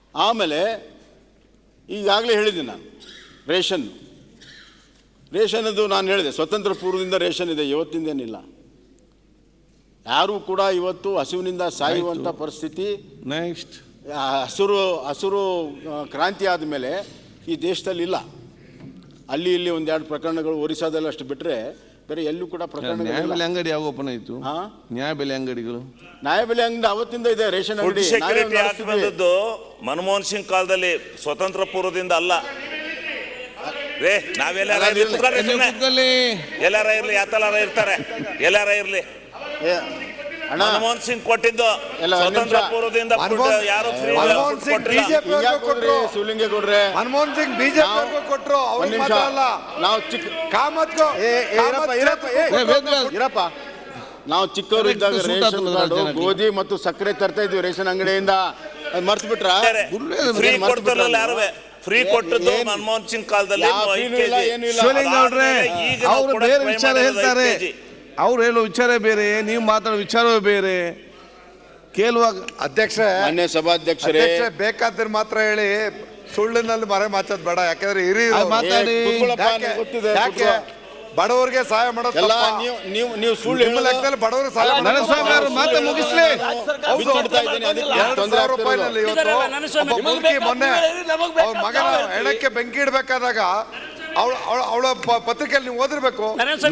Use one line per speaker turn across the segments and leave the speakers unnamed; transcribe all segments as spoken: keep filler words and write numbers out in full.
ಆಮೇಲೆ ಈಗಾಗಲೇ ಹೇಳಿದ್ದೀನಿ ನಾನು ರೇಷನ್ ರೇಷನದು ನಾನು ಹೇಳಿದೆ ಸ್ವತಂತ್ರ ಪೂರ್ವದಿಂದ ರೇಷನ್ ಇದೆ, ಇವತ್ತಿಂದೇನಿಲ್ಲ. ಯಾರೂ ಕೂಡ ಇವತ್ತು ಹಸಿವಿನಿಂದ ಸಾಯುವಂಥ ಪರಿಸ್ಥಿತಿ
ನೆಕ್ಸ್ಟ್
ಹಸಿರು ಹಸಿರು ಕ್ರಾಂತಿ ಆದಮೇಲೆ ಈ ದೇಶದಲ್ಲಿ ಇಲ್ಲ. ಅಲ್ಲಿ ಇಲ್ಲಿ ಒಂದೆರಡು ಪ್ರಕರಣಗಳು ಒರಿಸ್ಸಾದಲ್ಲಿ ಅಷ್ಟು ಬಿಟ್ಟರೆ ಬೇರೆ ಎಲ್ಲೂ ಕೂಡ ಪ್ರಕರಣ.
ನ್ಯಾಯಬೆಲೆ ಅಂಗಡಿ ಯಾವ ಓಪನ್ ಆಯಿತು? ಹಾಂ, ನ್ಯಾಯಬೆಲೆ ಅಂಗಡಿಗಳು
ನ್ಯಾಯಬೆಲೆ ಅಂಗಡಿ ಅವತ್ತಿಂದ ಇದೆ. ರೇಷನ್ ಅಂಗಡಿ
ಸೆಕ್ಯೂರಿಟಿ ಆಕ್ಟ್ ಬಂದದ್ದು ಮನಮೋಹನ್ ಸಿಂಗ್ ಕಾಲದಲ್ಲಿ, ಸ್ವತಂತ್ರ ಪೂರ್ವದಿಂದ ಅಲ್ಲ. ರೇ ನಾವೆಲ್ಲಾರ ಎಲ್ಲಾರ ಇರ್ಲಿ, ಯಾತಲಾರ ಇರ್ತಾರೆ, ಎಲ್ಲಾರ ಇರ್ಲಿ. ಮನಮೋಹನ್ ಸಿಂಗ್ ಕೊಟ್ಟಿದ್ದು ಸ್ವತಂತ್ರ ಪೂರ್ವದಿಂದ ಯಾರು
ಶಿವಲಿಂಗೇಗೌಡ್ರೆ,
ಮನಮೋಹನ್ ಸಿಂಗ್ ಬಿಜೆಪಿ ಕೊಟ್ಟರು.
ನಾವು ಚಿಕ್ಕ ಕಾಮತ್ಕೋ ಇರಪ್ಪ, ನಾವು ಚಿಕ್ಕವರು ಇದ್ದಾಗ ರೇಷನ್ ಕಾರ್ಡು ಗೋಧಿ ಮತ್ತು ಸಕ್ಕರೆ ತರ್ತಾ ಇದ್ವಿ ರೇಷನ್ ಅಂಗಡಿಯಿಂದ. ಮರ್ತು ಬಿಟ್ರ?
ಫ್ರೀ ಕೊಡ್ತಾರಲ್ಲ ಯಾರು? ಫ್ರೀ ಕೊಟ್ಟದ್ದು ಮನಮೋಹನ್ ಸಿಂಗ್ ಕಾಲದಲ್ಲಿ.
ಶಿವಲಿಂಗೇಗೌಡ್ರೆ ಅವರು ಬೇರೆ ವಿಚಾರ ಹೇಳ್ತಾರೆ, ಅವ್ರು ಹೇಳೋ ವಿಚಾರ ಬೇರೆ, ನೀವು ಮಾತಾಡೋ ವಿಚಾರವೇ ಬೇರೆ. ಕೇಳುವಾಗ
ಅಧ್ಯಕ್ಷರೇ,
ಮಾನ್ಯ ಸಭಾಧ್ಯಕ್ಷರೇ,
ಬೇಕಾದ್ರೆ ಮಾತ್ರ ಹೇಳಿ, ಸುಳ್ಳಿನಲ್ಲಿ ಮರೆ ಮಾತಾಡ್ ಬೇಡ. ಯಾಕಂದ್ರೆ ಹಿರಿ
ಮಾತಾಡಿ,
ಯಾಕೆ ಬಡವರಿಗೆ ಸಹಾಯ ಮಾಡೋದು
ನೀವು ನೀವು ಸುಳ್ಳು
ಲೆಕ್ಕದಲ್ಲಿ ಬಡವರಿಗೆ ಸಹಾಯ
ನರಸ್ವಾಮಿ ಅವರು ಮಾತು ಮುಗಿಸ್ಲಿ.
ಎರಡು ಸಾವಿರ ರೂಪಾಯಿನಲ್ಲಿ ಇವತ್ತು ಮುದುಕಿ ಮೊನ್ನೆ ಅವ್ರ ಮಗನ ಹೆಣಕ್ಕೆ ಬೆಂಕಿ ಇಡ್ಬೇಕಾದಾಗ ಅವಳ ಅವಳ ಪತ್ರಿಕೆಯಲ್ಲಿ ನೀವು ಓದಿರ್ಬೇಕು.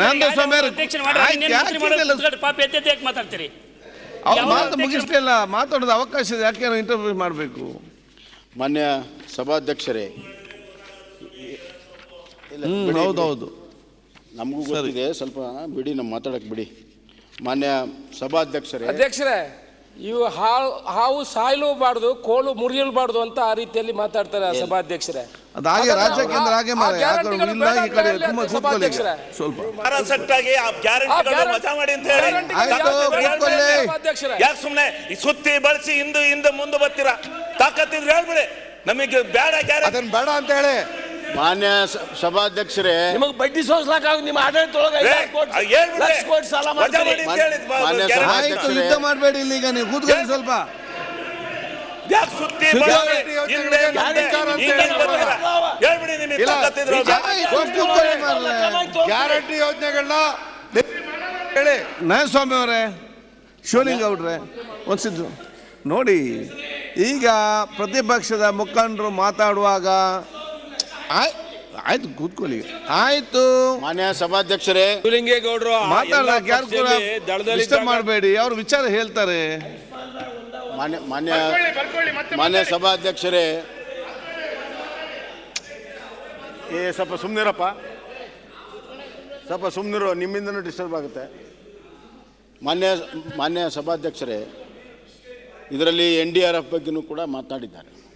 ಅವ್ರು ಮಾತು ಮುಗಿಸ್ಲಿಲ್ಲ, ಮಾತಾಡೋದು ಅವಕಾಶ ಇದೆ, ಯಾಕೆ ಇಂಟರ್ವ್ಯೂ ಮಾಡಬೇಕು?
ಮಾನ್ಯ ಸಭಾಧ್ಯಕ್ಷರೇ,
ಹೌದೌದು,
ನಮಗೂ ಗೊತ್ತಿದೆ, ಸ್ವಲ್ಪ ಬಿಡಿ, ನಮ್ಮ ಮಾತಾಡಕ್ಕೆ ಬಿಡಿ. ಮಾನ್ಯ ಸಭಾಧ್ಯಕ್ಷರೇ,
ಅಧ್ಯಕ್ಷರೇ, ಇವು ಹಾವು ಹಾವು ಸಾಯಲೂಬಾರ್ದು, ಕೋಲು ಮುರಿಯಲ್ಬಾರ್ದು ಅಂತ ಆ ರೀತಿಯಲ್ಲಿ ಮಾತಾಡ್ತಾರೆ ಸಭಾಧ್ಯಕ್ಷರೇ.
ಅದಾಗೆ ರಾಜ್ಯ ಕೇಂದ್ರ ಹಾಗೆ ಸ್ವಲ್ಪ
ಯಾಕೆ ಸುಮ್ಮನೆ ಸುತ್ತಿ ಬಳಸಿ ಹಿಂದೆ ಹಿಂದೆ ಮುಂದೆ ಬರ್ತೀರಾ? ತಾಕತ್ತಿದ್ರೆ ಹೇಳ್ಬಿಡಿ, ನಮಗೆ ಬೇಡ
ಅದನ್ನ ಬೇಡ ಅಂತ ಹೇಳಿ.
ಮಾನ್ಯ ಸಭಾಧ್ಯಕ್ಷರೇ,
ನಿಮಗೆ ಬಡ್ಡಿ ಸೋಸ್ಲಾಕ ನಿಮ್ಮ
ಯುದ್ಧ ಮಾಡಬೇಡಿ ಇಲ್ಲಿ, ಈಗ ನೀವು ಕೂತ್ಕೊಳ್ಳಿ ಸ್ವಲ್ಪ.
ಗ್ಯಾರಂಟಿ ಯೋಜನೆಗಳನ್ನ ಹೇಳಿ.
ನರಸ್ವಾಮಿ ಅವರೇ, ಶಿವಲಿಂಗೇಗೌಡ್ರೆ, ಒಂದ್ಸಿದ್ದು ನೋಡಿ, ಈಗ ಪ್ರತಿಪಕ್ಷದ ಮುಖಂಡರು ಮಾತಾಡುವಾಗ ಆಯ್ತು ಕೂತ್ಕೊಳ್ಳಿ, ಆಯ್ತು.
ಮಾನ್ಯ ಸಭಾಧ್ಯಕ್ಷರೇ,
ಶಿವಲಿಂಗೇಗೌಡರು
ಮಾತಾಡಕ್ಕೆ ಯಾರು ಕೂಡ ಡಿಸ್ಟರ್ಬ್ ಮಾಡಬೇಡಿ, ಅವ್ರ ವಿಚಾರ ಹೇಳ್ತಾರೆ.
ಮಾನ್ಯ ಮಾನ್ಯ ಮಾನ್ಯ ಸಭಾಧ್ಯಕ್ಷರೇ, ಏ ಸ್ವಲ್ಪ ಸುಮ್ಮನಿರಪ್ಪ, ಸ್ವಲ್ಪ ಸುಮ್ಮನಿರು, ನಿಮ್ಮಿಂದನೂ ಡಿಸ್ಟರ್ಬ್ ಆಗುತ್ತೆ. ಮಾನ್ಯ ಮಾನ್ಯ ಸಭಾಧ್ಯಕ್ಷರೇ, ಇದರಲ್ಲಿ ಎನ್ ಡಿ ಆರ್ ಎಫ್ ಬಗ್ಗೆನೂ ಕೂಡ ಮಾತನಾಡಿದ್ದಾರೆ.